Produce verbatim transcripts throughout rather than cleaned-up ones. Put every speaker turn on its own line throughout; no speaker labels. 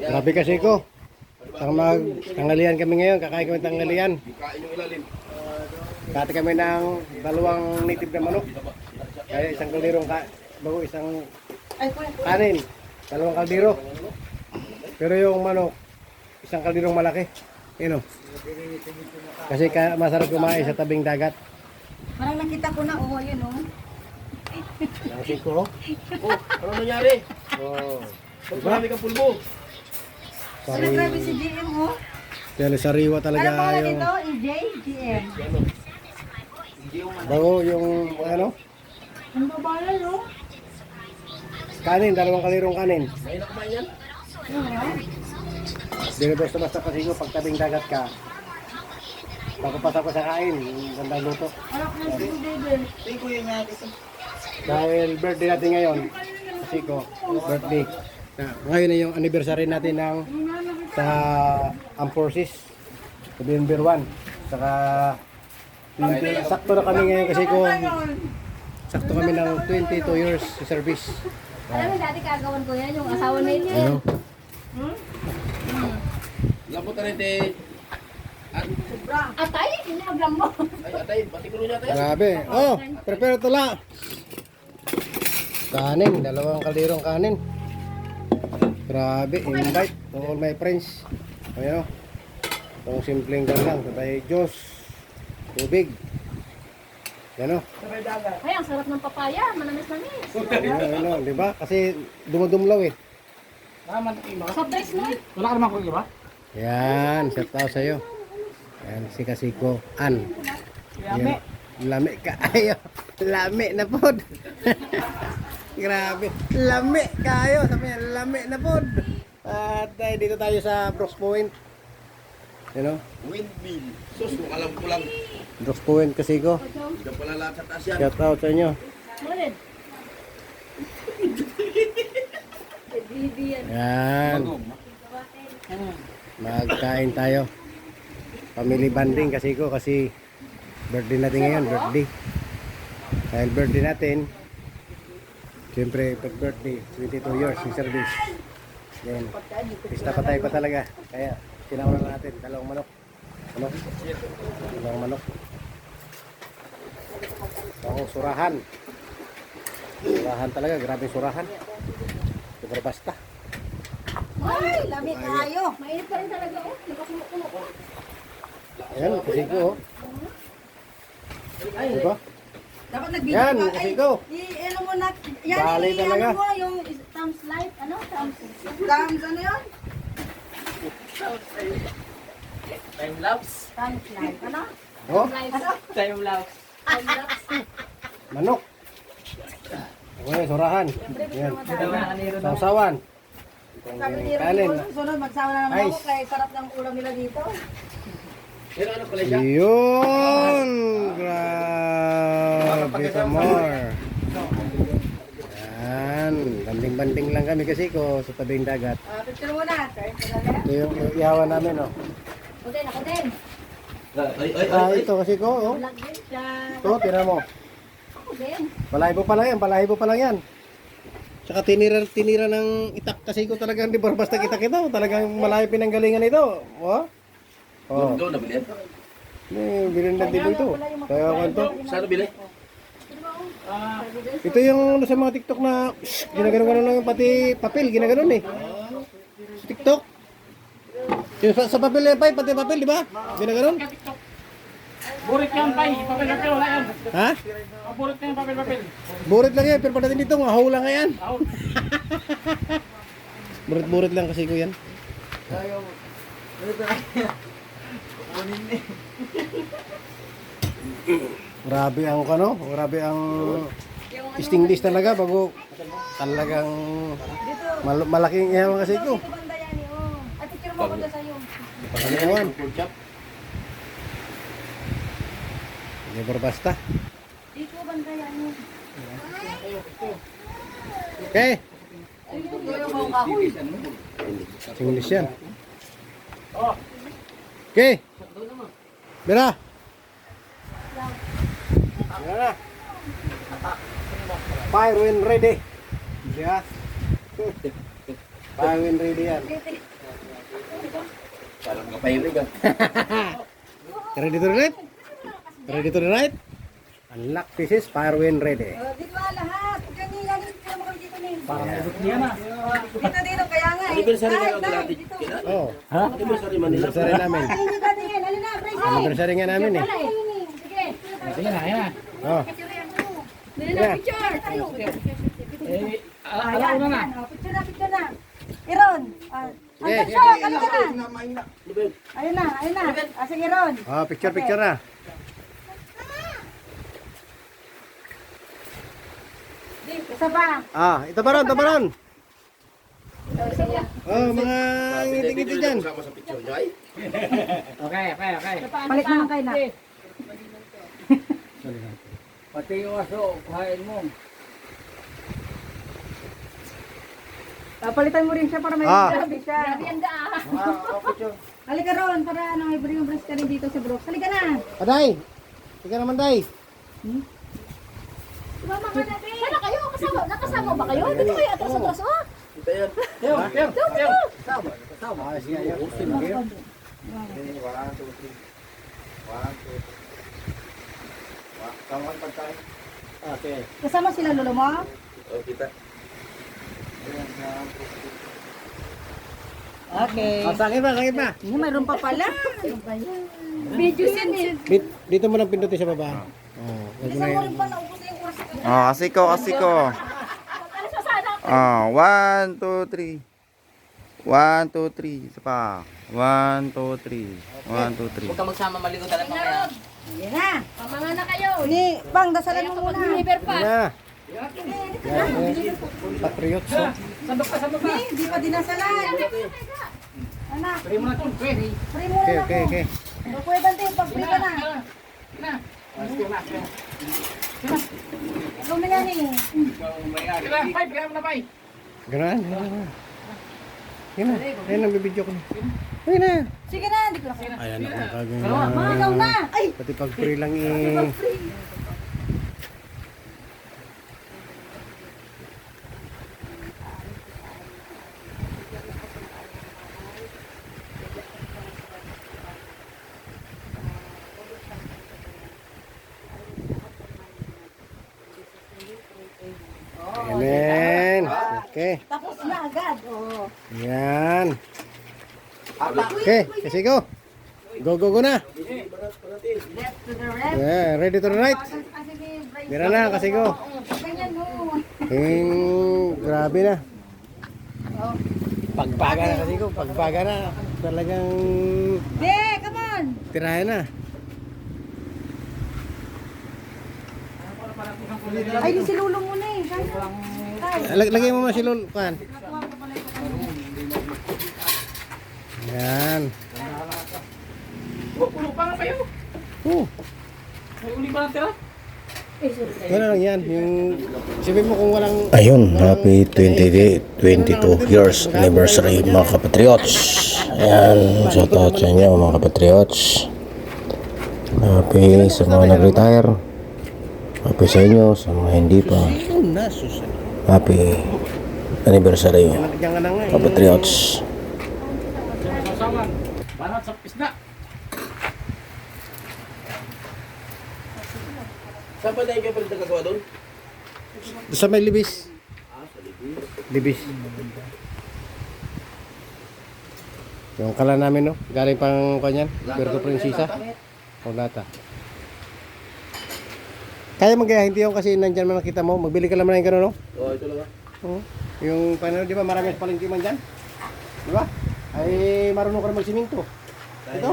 Grabe kasi ko. Ang mag tanghalian kami ngayon, kakain kami tanghalian. Kati kami ng dalawang native na manok. Kaya isang kalderong ka, bago isang kanin, dalawang kaldero. Pero yung manok, isang kalderong malaki. Yun o. Kasi ka, masarap kumain sa tabing dagat.
Parang nakita ko na, oh, yun oh.
Nasin ko.
Oh, ano nangyari?
Oh.
Ba't marami kang pulbo?
Ano grabe si G M oh?
Kaya sariwa talaga
Ano pangalan
yung
nito? E J? G M?
bago yung ano,
Ang babalan no?
kanin, dalawang kalderong kanin.
May nakumain yan?
Hindi na basta-basta kasi ko pag tabing dagat ka. Pagkapasok ko sa kain, gandang luto.
Anak ng si David.
Dahil birthday natin ngayon, kasi ko, birthday. Na, ngayon na yung anniversary natin ng sa Armed Forces, November one. Saka, twenty, sakto na kami ngayon kasi ko, sakto kami ng twenty-two years sa service.
Alam mo dati kagawan ko yan, yung asawa na yun.
Ano?
Lambot na rin, te. At,
Atay, inagam mo.
ay, atay, pati ko niya tayo.
Grabe. Oh, prepare tula. Kanin, dalawang kalderong kanin. Grabe, invite to all my friends. Ayan o. Itong simpleng gan lang. Tatay Diyos. Tubig. Yan o.
Ay, ang sarap ng papaya, manamis-namis.
Ayan, ayan o. Diba? Kasi dumudumlaw eh.
Soft drinks mo.
Wala ka naman ko, ba?
Yan, shout out sa'yo. Yan, si Kasiko. An. Lame. Lame ka. Ayo. Lame na pod. Grabe. Lame kayo. Sabi niya, lame na pod. At uh, dito tayo sa Brooks Point. You know?
Windmill. Sus, alam ko lang.
Brooks Point Kasiko.
Hindi ka pala lahat sa taas yan.
Shout out sa inyo.
Mulit.
Yan. Magkain tayo. Family bonding kasi ko kasi birthday natin ngayon, birthday. Dahil birthday natin, siyempre pag birthday, twenty-two years in service. Yan. Pista pa tayo pa talaga. Kaya kinauna na natin dalawang manok. Manok. Dalawang manok. Ang surahan. Surahan talaga, grabe surahan. Super basta.
Ay, lamig kayo. Mainit pa rin talaga oh. Nakasumukulo ko.
Ayan, kasi ko. oh.
Ay,
Diba?
dapat nag-video
Yan,
ka.
kasi
Ay,
ko.
i-ano mo na. Yan,
Bali
i-
talaga.
ano mo yung thumbs light. Ano? Thumbs. Thumbs, ano yun?
Time lapse.
Thumbs light. Ano?
Oh,
Ano?
Time lapse.
Thumbs lapse.
manok. Okay, surahan. Yan. Sausawan.
Sabi ni
Kanin.
Rico, susunod magsawa na naman
Nice.
ako kaya sarap ng ulam nila dito.
Pero ano pala siya?
Yun! Grabe ka more. Yan. Banding-banding lang kami kasi ko sa tabing dagat.
Ah, picture muna. Kaya talaga.
Ito yung yung ihawan namin, oh.
Ako din, ako din.
Ay, ay,
Ah,
ay.
ito kasi ko, oh.
Vlog din siya.
Ito, tira mo.
Ako din.
Balahibo pa lang yan, balahibo pa lang yan. Tsaka tinira, tinira ng itak kasi ko talagang di ba basta kita-kita. Talagang malayo pinanggalingan ito. Oh. Oh.
Ito, nabili yan.
May bilhin na dibo ito. Kaya ako ito.
Saan nabili?
Ito yung ano sa mga TikTok na shh, ginaganon lang yung pati papel, ginaganon eh. Sa TikTok. Yung sa, sa papel yan pa, pati papel, di ba? Ginaganon.
Burit yan, pay. Papel-papel, wala yan.
Ha?
Burit yan, papel-papel.
Burit lang yan, pero pagdating dito, ngahaw lang nga yan.
Ako.
Burit-burit lang kasi ko yan. Grabe ang ano, grabe ang stingless talaga bago talagang mal malaking ihawan kasi ko.
Dito banda yan eh, oh. At picture mo ako dyan sa'yo.
Pangalawan. Hindi ba basta?
Dito banda yan eh.
Okay.
Dito yung mga kahoy.
English yan. Okay. Bira. Bira na. Fire when ready. Yeah. Fire when ready yan.
Parang kapahirig ah.
Ready to ride? Ready to ride? Unlock pieces, fire wind ready.
Oh, dito ah, lahat. Ganyan, yan. Dito mo kami dito ni.
Parang may buti yan ah.
Dito, dito. Kaya nga eh.
Anniversary
Ay,
nga
dahil,
natin.
dito.
Kailan?
Oh,
Anniversary Manila.
anniversary namin.
Alin yung dati yan? Alin na, Bryce?
Anniversary nga namin eh.
Sige.
Sige na, yan na.
Oh,
Dali na, picture.
Eh, ala- alauna na.
Oh, picture na, picture na. Iron. Ah,
Sige,
Ang
sige,
shot, alin ka na. Ayun na, ayun na. Ah, sige, Ron.
oh, picture picture na.
Isa pa.
Ah, ito pa ron, ito pa ron.
Oh, sige.
Oh, mga ngiti-ngiti dyan.
Kasama sa picture niyo ay.
Okay, okay, okay.
Palit naman kayo na.
Pati yung aso, kuhain mo.
Ah, palitan mo rin siya para may
Ah.
grabe siya. Halika Ron, para ano, may bring yung brace ka rin dito sa Brooks. Halika na.
Aday, tika naman, Day.
Mama ka na, Sana kayo? Kasama, nakasama ba kayo? Dito kayo atras atras, oh.
Ito yan.
Teo, Teo, Teo.
Ah, sige, ayaw. Okay.
Okay.
Kasama sila lolo mo?
Oh, kita.
Okay.
Ah, sakit ba, sakit ba?
Hindi, mayroon pa pala. Video yan eh.
Dito, dito mo lang pindutin sa baba. Oh, wag mo
Isang
na
mo
yun.
rin pa naubos na yung oras.
Oh, asiko, asiko. Oh, one, two, three. One, two, three. Isa pa. One, two, three. One, two, three.
Huwag ka magsama maligo talaga mamaya.
Hindi na.
Pamanga na kayo.
Ni, Pang, dasalan mo muna.
Deliver pa.
Na. Yan, eh. Patriots, oh.
Sandok ka, sandok ka.
Ni, di pa dinasalan. Anak,
Pwede mo na ito, pwede.
free muna
Okay,
na
okay,
ko.
okay.
Pwede bante, pag free ka na.
Na. Ah, sige na, sige na.
Lumila ni.
Sige na, Pai, bigyan mo na, Pai.
Ganun, ganun. Yan na, yan ang bibidyo ko na. Ayun na.
Sige na, hindi ko na.
Ayan ako
Ikaw
kagano.
na. Ay,
Pati pag free lang eh. Amen. Okay.
tapos na agad. Oh.
Yan. Okay, kasi go. Go, go, go na.
Left to the left.
Yeah, ready to the right.
Ah, sige, Bryce.
Mira na, kasi go.
Ganyan mo.
Hmm, grabe na.
Oh.
Pagpaga na kasi ko, pagpaga na. Talagang
Be, come on.
tirahan na.
Ay, di si Lulo muna eh. Kaya. Kaya.
Lag lagay mo mo si Lul, kan. Yan.
Oh, pulo pa nga kayo.
Oh,
May uli pa natira.
ano lang yan, yung sabihin mo kung walang
Ayun, happy twenty, twenty-two years anniversary mga kapatriots. Ayan, shout out sa inyo mga kapatriots. Happy sa mga nag-retire. Happy sa inyo, sa mga hindi pa.
na sus.
Happy anniversary
Diyan ka na nga. eh.
kapatriots.
Sasawan. Banat sa pisna.
Saan pa tayo kayo pala nagkagawa doon?
Sa may libis. Libis. Yung kala namin, no? Galing pang kanyan, Puerto Princesa. O lata. Kaya magaya, hindi yung kasi nandyan man nakita mo. Magbili ka lang na yung gano'n, no?
Oo, ito lang ah.
Oo. Yung paano, di ba marami sa palengke man dyan? Di ba? Ay marunong ka na magsiminto. Ito.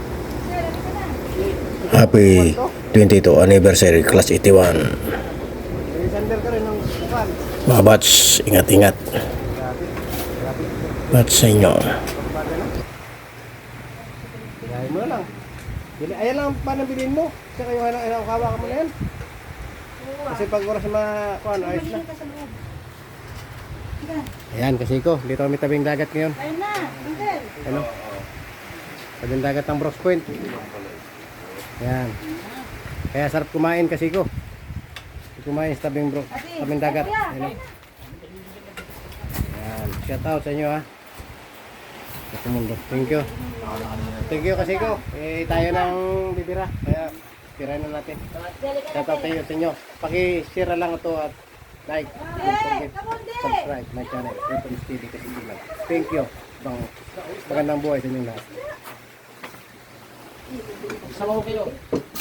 Happy twenty-two anniversary class eighty-one.
May sandal ka rin ng kupan.
Mga bats, ingat-ingat.
Grabe. Grabe.
Bats sa inyo.
Pagbaga na. Gayahin mo na lang. Bili, ayan lang pa nang bilhin mo. Kasi kayo ano, ano, kawa ka mo na yan. Kasi pag oras na kuhan, ayos na. Ayan, kasi ko, dito kami tabing dagat ngayon.
Ayun na, Uncle.
Ano? Tabing dagat ng Bros Point. Ayan. Kaya sarap kumain kasi ko. Kumain sa tabing bro, tabing dagat. Ayan. Ayan, shout out sa inyo ha. Ito mundo. Thank you. Thank you kasi ko. Eh, tayo ng bibira. Kaya, tira na natin. Shout out tayo sa inyo. Paki-share lang ito at like. Don't forget, subscribe my channel. Weapons T V kasi sila. Thank you. Bang, magandang buhay sa inyong lahat.
Sama ko kayo.